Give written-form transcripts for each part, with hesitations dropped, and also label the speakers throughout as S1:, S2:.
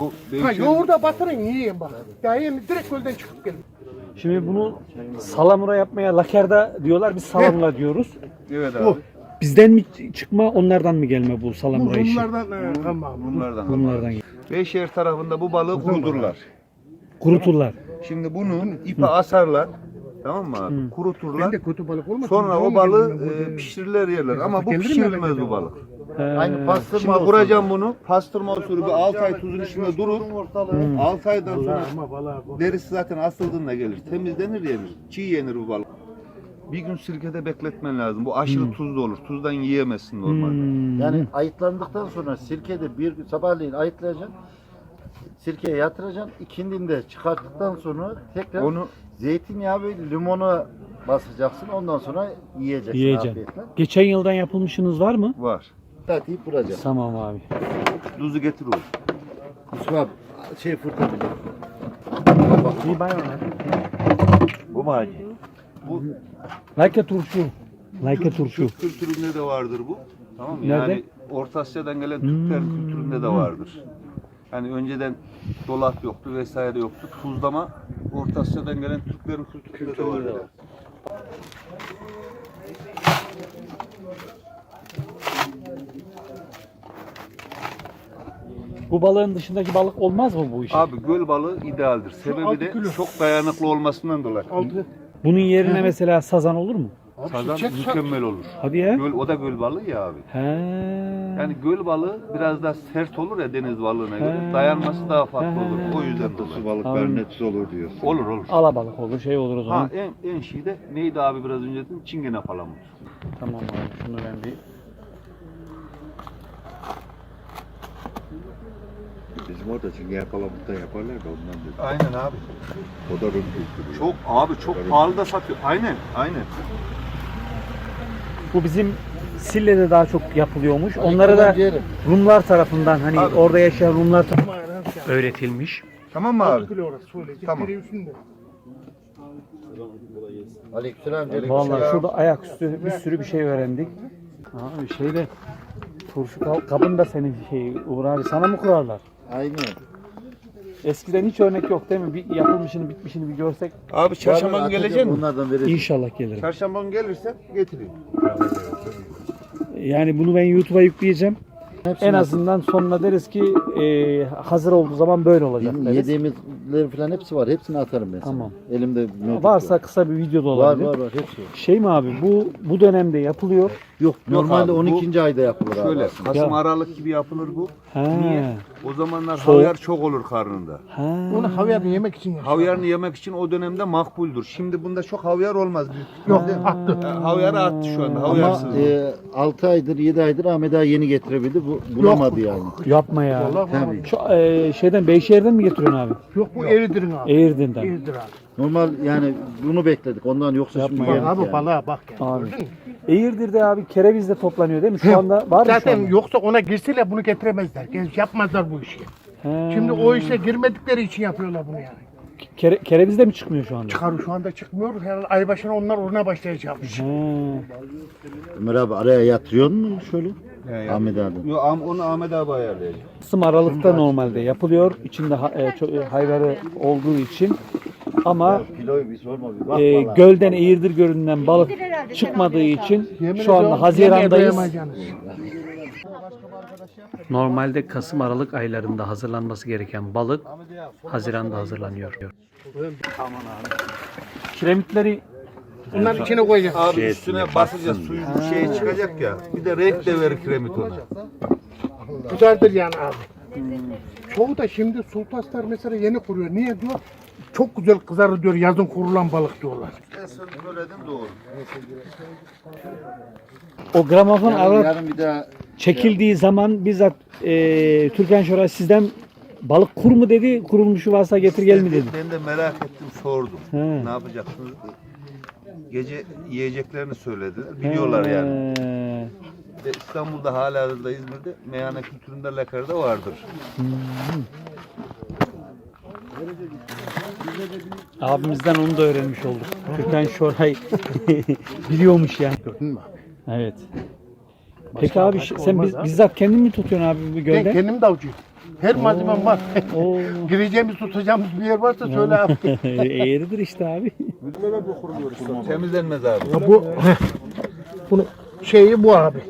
S1: Ha yoğurda batırın yiyeyim bak. Ya yeni direkt gölden çıkıp gelin.
S2: Şimdi bunu salamura yapmaya lakerda diyorlar, biz salamura diyoruz.
S3: Evet
S1: Bu.
S3: abi.
S2: Bizden mi çıkma, onlardan mı gelme bu
S1: Bu
S2: salamura işi?
S1: Rumlardan tamam.
S2: Bunlardan.
S3: Beyşehir tarafında bu balığı kuruturlar.
S2: Kuruturlar.
S3: Şimdi bunu ipe asarlar. Tamam mı abi?
S1: Ben
S3: Kuruturlar.
S1: de kötü balık olmasın.
S3: Sonra
S1: Doğru
S3: o
S1: mu
S3: balığı
S1: geldim ben burada?
S3: pişirirler yerler. Ama bu
S1: Gelir mi
S3: pişirilmez
S1: öyle
S3: bu balık.
S4: Aynı pastırma
S3: Şimdi
S4: usulü.
S3: vuracağım bunu. Pastırma usulü bir 6 ay tuzun içinde durur. 6 aydan sonra
S1: Ama balığa bak.
S3: derisi zaten asıldığında gelir. Temizlenir yenir. Çiğ yenir bu balık. Bir gün sirkede bekletmen lazım. Bu aşırı tuzlu olur. Tuzdan yiyemezsin normalde.
S4: Yani ayıtlandıktan sonra sirkede bir gün sabahleyin ayıtlayacaksın. Sirkeye yatıracaksın. İkindinde çıkarttıktan sonra tekrar
S3: Onu
S4: zeytinyağı ve limonu basacaksın. Ondan sonra yiyeceksin
S2: Yiyeceğim.
S4: afiyetle.
S2: Geçen yıldan yapılmışınız var mı?
S3: var.
S4: Tatayıp vuracaksın.
S2: Tamam abi.
S3: Tuzu getir oğlum.
S4: Yusuf abi fırtına.
S2: İyi bayağı.
S4: Bu mu acı?
S3: Bu
S2: Like turşu. Like turşu.
S3: Türk kültüründe de vardır bu. Tamam mı?
S2: Nerede?
S3: Yani Orta Asya'dan gelen Türkler kültüründe de vardır. Yani önceden dolap yoktu vesaire yoktu. Tuzlama Orta Asya'dan gelen Türklerin kültüründe de vardır.
S2: Bu balığın dışındaki balık olmaz mı bu iş?
S3: Abi göl balığı idealdir. Sebebi de çok dayanıklı olmasından dolayı.
S1: Altı.
S2: Bunun yerine mesela sazan olur mu?
S3: Sazan mükemmel olur.
S2: Hadi ya.
S3: O da göl balığı ya abi.
S2: He.
S3: Yani göl balığı biraz daha sert olur ya deniz balığına göre. Dayanması daha farklı olur. O yüzden dolayı.
S4: Balıklar netsiz olur diyorsun.
S3: Olur.
S2: Alabalık olur, şey olur o zaman.
S3: Ha en şey de neydi abi biraz önce dedim? Çingene palamut.
S2: Tamam abi, şunu ben bir...
S4: Bizim orada çingene palamutta yaparlar da ondan dedim.
S3: Aynen abi.
S4: O da Rum kültürü.
S3: Çok pahalı da satıyor. Aynen.
S2: Bu bizim Sille'de daha çok yapılıyormuş. Onlara da Rumlar tarafından, hani
S3: Abi.
S2: orada yaşayan Rumlar tarafından öğretilmiş.
S3: Tamam mı abi?
S1: Kilo orası söyleyecek.
S3: Tamam.
S1: Biri üstünde.
S4: Aleykümselam.
S2: Vallahi şurada ayaküstü bir sürü bir şey öğrendik. Abi şeyde turşu kabın da senin Uğur abi, sana mı kurarlar?
S4: Aynen.
S2: Eskiden hiç örnek yok değil mi? Bir yapılmışını bitmişini bir görsek
S3: Abi çarşamba günü gelecek mi?
S4: Bunlardan vereceğim.
S2: inşallah gelirim.
S3: Çarşamba günü gelirse getireyim.
S2: Yani bunu ben YouTube'a yükleyeceğim.
S4: Hepsini
S2: En azından sonuna deriz ki hazır olduğu zaman böyle olacak
S4: Bizim
S2: deriz.
S4: yediğimizlerin falan hepsi var. Hepsini atarım ben sana.
S2: Tamam.
S4: Elimde not
S2: Varsa kısa bir video da
S4: var.
S2: olabilir.
S4: Var hepsi var.
S2: Şey mi abi, bu dönemde yapılıyor.
S4: Yok normalde
S3: abi,
S4: 12. ayda yapılır abi.
S3: Şöyle
S4: aslında.
S3: Kasım
S2: Ya.
S3: Aralık gibi yapılır bu.
S2: Ha.
S3: Niye? O zamanlar
S2: Soğuk.
S3: havyar çok olur karnında.
S2: Ha.
S1: Onu havyarını yemek için yaşıyor.
S3: Havyarını yemek için o dönemde makbuldür. Şimdi bunda çok havyar olmaz.
S1: Yok attı.
S3: Havyarı attı şu anda.
S4: Ama
S3: Havyarsız.
S4: 6 aydır 7 aydır Ahmet Ağa yeni getirebildi. Bulamadı yani.
S2: Yapma ya.
S1: Vallahi
S4: Tabii.
S2: Şeyden Beyşehir'den mi getiriyorsun abi?
S1: Yok bu Eğirdir'in abi.
S2: Eğirdir'den.
S1: Eğirdir abi.
S4: Normal yani bunu bekledik. Ondan yoksa şimdi
S1: Bak
S4: yedik
S1: abi
S4: yani.
S1: balığa bak yani.
S2: Abi.
S1: Gördün mü?
S2: Eğirdir'de abi kerevizde toplanıyor değil mi? Şu anda var mı şu
S1: Zaten
S2: anda?
S1: yoksa ona girseler bunu getiremezler. Yapmazlar bu işi.
S2: He.
S1: Şimdi o işe girmedikleri için yapıyorlar bunu yani.
S2: Kerevizde mi çıkmıyor şu anda?
S1: Çıkar şu anda çıkmıyor. Herhalde ay başına onlar ona başlayacakmış.
S2: He.
S4: Ömer abi araya yatırıyor mu şöyle?
S3: Yani,
S4: Ahmet abi.
S3: Yo, onu Ahmet abi ayarlayacak.
S2: Kasım Aralık'ta normalde yapılıyor. İçinde hayvarı olduğu için. Ama
S4: Kiloyu bir sorma bir bak vallahi.
S2: gölden Eğirdir Gölü'nden balık çıkmadığı için şu anda Haziran'dayız. Normalde Kasım Aralık aylarında hazırlanması gereken balık Haziran'da hazırlanıyor. Aman abi. Kiremitleri
S1: Bunların içine koyacak.
S3: Abi üstüne basacağız suyu şeye çıkacak ya. Bir de renk de verir kiremit ona.
S1: Güzeldir yani abi. Çoğu da şimdi sultaslar mesela yeni kuruyor. Niye diyor? Çok güzel kızarır diyor yazın kurulan balık diyorlar.
S3: Ben sana söyledim doğru.
S2: o gramofon alıp
S4: Yarın bir daha
S2: çekildiği zaman bizzat Türkan Şoray sizden balık kur mu dedi, kurulmuşu varsa getir gel mi dedi.
S3: Ben de merak ettim sordum.
S2: He.
S3: Ne yapacaksınız? Gece yiyeceklerini söyledi. Biliyorlar yani.
S2: He.
S3: Ve İstanbul'da halihazırda İzmir'de meyhane kültüründe lakarda vardır.
S2: Abimizden onu da öğrenmiş olduk. Türkan Şoray biliyormuş yani.
S1: Gördün mü?
S2: Evet. Peki abi sen bizzat kendin mi tutuyorsun abi bu
S1: Ben
S2: gölde?
S1: kendim de avcıyım. Her malzemem var.
S2: Oo.
S1: Gireceğimiz, tutacağımız bir yer varsa söyle abi.
S2: Eğridir işte abi.
S3: Temizlenmez abi.
S1: Ya bu bunu şeyi bu abi.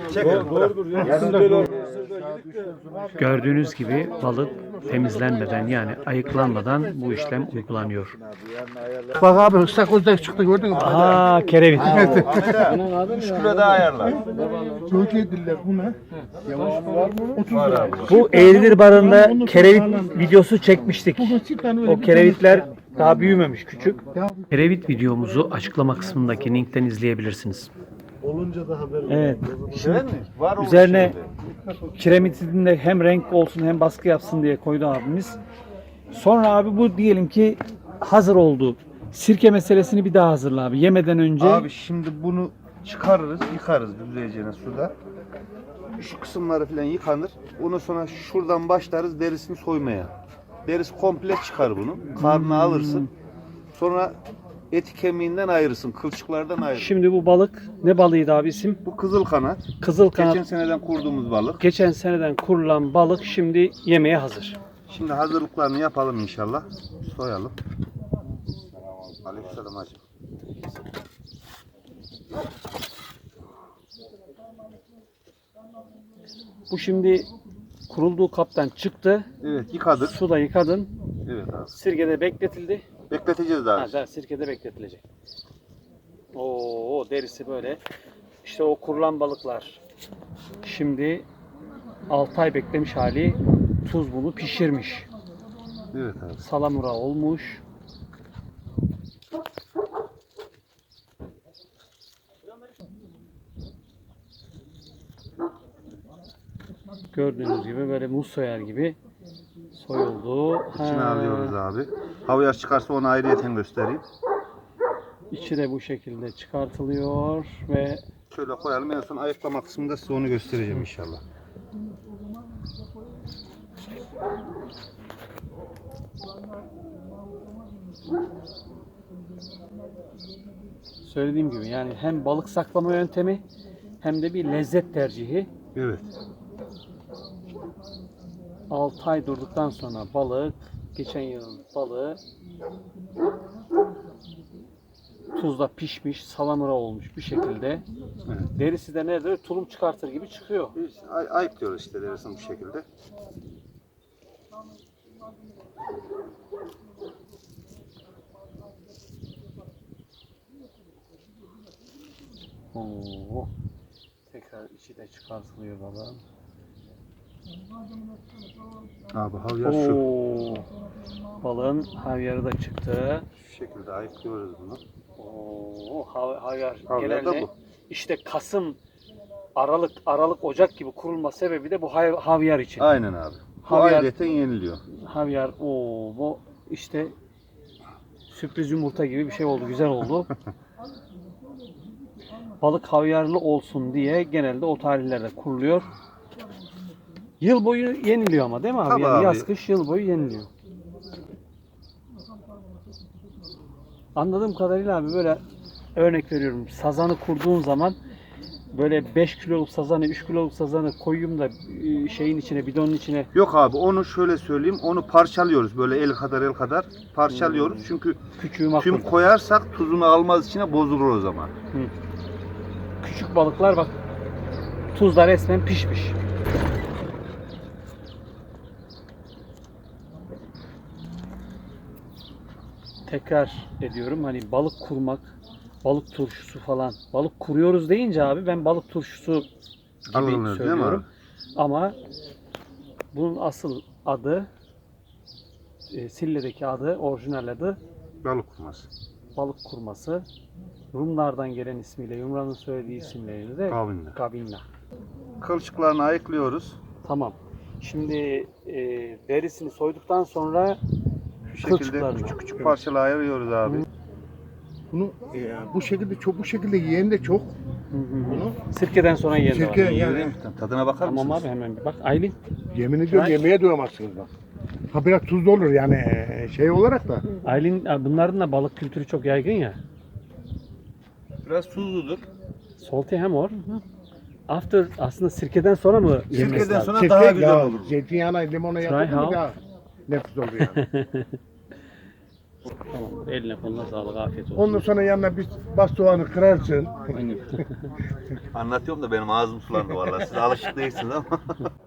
S2: Gördüğünüz gibi balık temizlenmeden yani ayıklanmadan bu işlem uygulanıyor.
S1: Bak abi ıstakozda çıktı gördün mü?
S2: Aa kerevit.
S3: 3 kilo daha ayarlar.
S1: Göğe diller bu ne? 30 lira.
S2: Bu Eğridir Barı'nda kerevit videosu çekmiştik. O kerevitler daha büyümemiş, küçük. Kerevit videomuzu açıklama kısmındaki linkten izleyebilirsiniz.
S4: Olunca da haber
S2: Evet.
S3: Değil mi? Var onun
S2: Üzerine
S3: içinde.
S2: kiremitini de hem renk olsun hem baskı yapsın diye koydu abimiz. Sonra abi bu diyelim ki hazır oldu. Sirke meselesini bir daha hazırla abi. Yemeden önce
S3: Abi şimdi bunu çıkarırız, yıkarız güzelce suda. Şu kısımları falan yıkanır. Ondan sonra şuradan başlarız derisini soymaya. Derisi komple çıkar bunun. Karnını alırsın. Sonra eti kemiğinden ayırırsın, kılçıklardan ayırırsın.
S2: şimdi bu balık ne balığıydı abi isim?
S3: Bu kızıl kanat.
S2: Kızıl kanat.
S3: Geçen seneden kurduğumuz balık.
S2: Geçen seneden kurulan balık şimdi yemeğe hazır.
S3: Şimdi hazırlıklarını yapalım inşallah. Soyalım. Aleykümselam hacım.
S2: Bu şimdi kurulduğu kaptan çıktı.
S3: Evet, yıkadık.
S2: Suda yıkadın.
S3: Evet abi.
S2: Sirkede bekletildi.
S3: Bekleteceğiz daha.
S2: Ha, sirkede bekletilecek. Oo, derisi böyle. İşte o kurulan balıklar. Şimdi 6 ay beklemiş hali tuz bunu pişirmiş.
S3: Evet abi.
S2: Salamura olmuş. Gördüğünüz gibi böyle muz soyar gibi soyuldu.
S3: İçine alıyoruz abi. Havyar çıkarsa onu ayrıyeten göstereyim.
S2: İçi de bu şekilde çıkartılıyor ve
S3: Şöyle koyalım. En son ayıklama kısmında size onu göstereceğim inşallah.
S2: söylediğim gibi yani hem balık saklama yöntemi hem de bir lezzet tercihi.
S3: Evet.
S2: 6 ay durduktan sonra balık, geçen yılın balığı tuzla pişmiş, salamura olmuş bir şekilde.
S3: Evet.
S2: Derisi de nedir? Tulum çıkartır gibi çıkıyor.
S3: Biz ayıklıyoruz işte derisini bu şekilde.
S2: Oo. Tekrar içi de çıkartılıyor balığın.
S3: Abi havyar şu.
S2: Oo. Balığın havyarı da çıktı.
S3: Şu şekilde ayıklıyoruz bunu.
S2: Oo, havyar
S3: Havyar da
S2: genelde
S3: bu.
S2: işte Kasım, Aralık, Ocak gibi kurulma sebebi de bu havyar için.
S3: Aynen abi. Bu
S2: Havyar-
S3: ayrıyeten yeniliyor.
S2: Havyar, bu işte sürpriz yumurta gibi bir şey oldu, güzel oldu. Balık havyarlı olsun diye genelde o tarihlerde kuruluyor. Yıl boyu yeniliyor ama değil mi abi?
S3: Tabii
S2: Yani
S3: abi.
S2: yaz kış yıl boyu yeniliyor. Anladığım kadarıyla abi böyle örnek veriyorum. Sazanı kurduğun zaman böyle 5 kiloluk sazanı, 3 kiloluk sazanı koyayım da şeyin içine, bidonun içine.
S3: Yok abi onu şöyle söyleyeyim. Onu parçalıyoruz. Böyle el kadar parçalıyoruz. Çünkü
S2: Küçüğü makul.
S3: tüm koyarsak tuzunu almaz içine bozulur o zaman.
S2: Küçük balıklar bak tuzla resmen pişmiş. Tekrar ediyorum hani balık kurmak, balık turşusu falan. Balık kuruyoruz deyince abi ben balık turşusu gibi
S3: Alınır, değil mi
S2: söylüyorum. Ama bunun asıl adı Sille'deki adı, orijinal adı
S3: Balık kurması.
S2: balık kurması. Rumlardan gelen ismiyle, Yumra'nın söylediği isimleriyle de
S3: Kavinla.
S2: Kavinla.
S3: Kılçıklarını ayıklıyoruz.
S2: Tamam. Şimdi derisini soyduktan sonra
S3: Şu şekilde
S2: Kılçıklarını.
S3: küçük küçük parçalara ayırıyoruz abi.
S1: Bunu bu şekilde yiyen de çok. Bunu
S2: sirkeden sonra yiyen de var.
S1: Sirke yani
S3: Göreyim mi? Tadına bakar
S2: Tamam
S3: mısınız?
S2: abi hemen bir bak. Aylin.
S1: yemin ediyorum
S2: Ay.
S1: yemeğe doyamazsınız bak. Ha biraz tuzlu olur yani şey olarak da.
S2: Aylin bunların da balık kültürü çok yaygın ya.
S3: Biraz tuzludur.
S2: Solte hem or. after aslında sirkeden sonra mı yenmesi
S3: Sirkeden
S2: lazım?
S3: sonra daha güzel
S1: ya,
S3: olur.
S1: Zeytinyağına limona
S2: how?
S1: yapınca daha nefis oluyor yani.
S2: Tamam. Eline koluna sağlık. Afiyet olsun.
S1: Ondan sonra yanına bir bas soğanı kırarsın.
S3: Anlatıyorum da benim ağzım sulandı vallahi. Siz alışık değilsiniz ama.